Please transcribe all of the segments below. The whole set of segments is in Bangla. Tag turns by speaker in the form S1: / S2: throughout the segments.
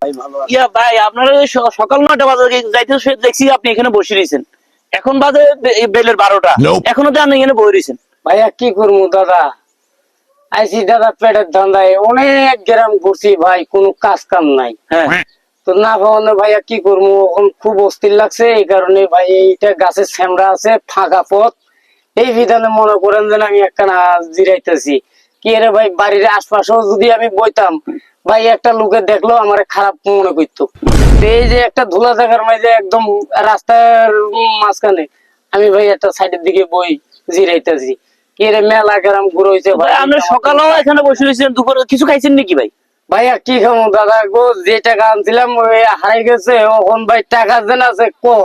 S1: ইয়া ভাই আপনারা সকাল 9টা বাজে যাইতে দেখছি আপনি এখানে বসে রয়েছেন, এখন বাজে বেলের 12টা, এখনো তো আপনি এখানে বসে রয়েছেন।
S2: ভাইয়া কি করবো দাদা, আইসি দাদা পেটের ধান্দায় অনেক গ্রাম ঘুরছি ভাই, কোনো কাজ কাম নাই।
S1: হ্যাঁ
S2: তো না ভাবনে ভাইয়া কি করবো, এখন খুব অস্থির লাগছে। এই কারণে ভাই এইটা গাছের শ্যামরা আছে, ফাঁকা পথ, এই বিধানে মনে করেন যেন আমি একখানা জিরাইতেছি। কি রে ভাই, বাড়ির আশপাশেও যদি আমি বইতাম ভাই, একটা লোকে দেখলো আমার খারাপ মনে করতো। এই যে একটা ধুলা জায়গার মাঝে একদম রাস্তার মাঝখানে আমি ভাই একটা সাইডের দিকে বই জিরাইতেছি। কি রে মেলা গ্রাম ঘুরে হয়েছে ভাই।
S1: আপনি সকালেও এখানে বসে রয়েছেন, দুপুরে কিছু খাইছেন নাকি ভাই?
S2: ভাইয়া কি খাবো দাদা গো, যে টাকা আনছিলাম ওই হারাই গেছে। এখন ভাই টাকা যেন আছে কম,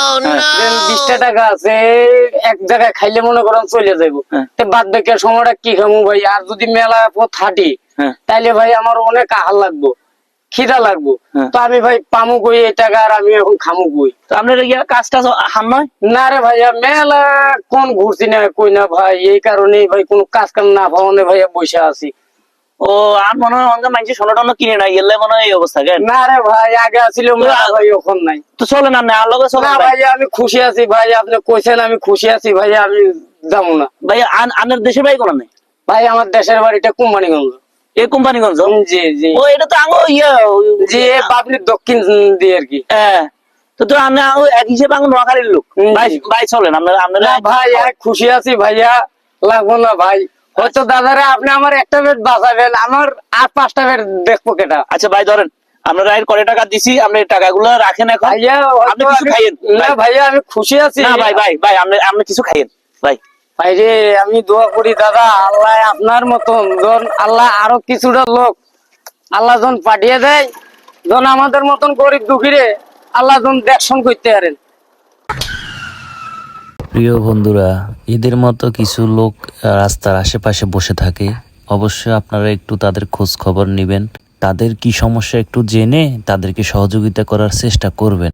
S2: 20টা টাকা আছে, এক জায়গায় খাইলে মনে করেন চলে যাবো। বাদ বাকি সময়টা কি খাবো ভাই, আর যদি মেলা পথ হাঁটি তাইলে ভাই আমার অনেক আহার লাগবো, খিদা লাগবো। তো আমি ভাই পামু কই এই টাকা, আর আমি এখন খামু কই?
S1: তো আপনার কাজ টাজ হান নয়
S2: না রে ভাইয়া, মেলা কোন ঘুরছি না কই না ভাই, এই কারণে ভাই কোনো কাজ কাম না পাওয়ানে ভাইয়া বসে আছি।
S1: ও আর মনে হয় অনেক মানুষ সোনা টোনা কিনে না গেলে মনে হয় এই অবস্থা।
S2: না রে ভাই, আগে আছিল ভাই, এখন নাই।
S1: তো চলে না আর লগে চলে
S2: না ভাই, আমি খুশি আছি ভাই, আপনি কইছেন আমি খুশি আছি ভাই, আমি যাবো না
S1: ভাই। আপনার দেশের ভাই কোন নাই
S2: ভাই? আমার দেশের বাড়িটা কোম্পানিগঞ্জ।
S1: এই কোম্পানিগঞ্জ?
S2: জি জি।
S1: ও এটা তো আঙো ইয়া
S2: জি, বাবলির দক্ষিণ দিয়ে আর কি।
S1: হ্যাঁ, তো তো আমি এক হিসেবে আঙো নোয়াখালীর লোক ভাই। ভাই চলেন আপনারা
S2: ভাই, খুশি আছি ভাইয়া, লাগবো না ভাই। হয়তো দাদারে আপনি আমার একটা বেড বাঁচাবেন, আমার আর 5টা বেড দেখবো কেটা।
S1: আচ্ছা ভাই ধরেন, আপনারা এর কয় টাকা দিছি, আপনি টাকাগুলো রাখেন এখন।
S2: ভাইয়া
S1: আপনি কিছু খাইয়েন
S2: না ভাইয়া, আমি খুশি আছি।
S1: না ভাই ভাই ভাই আপনি কিছু খাইয়েন ভাই।
S2: ভাই রে, আমি দোয়া করি দাদা, আল্লাহ আপনার মতন আল্লাহ আরো কিছুটা লোক আল্লাহ জন পাঠিয়ে দেয়, জন আমাদের মতন গরিব দুঃখীরে আল্লাহ জন দেখশন করতে পারেন।
S3: প্রিয় বন্ধুরা, এদের মতো কিছু লোক রাস্তার আশেপাশে বসে থাকে। অবশ্যই আপনারা একটু তাদের খোঁজ খবর নেবেন, তাদের কি সমস্যা একটু জেনে তাদেরকে সহযোগিতা করার চেষ্টা করবেন।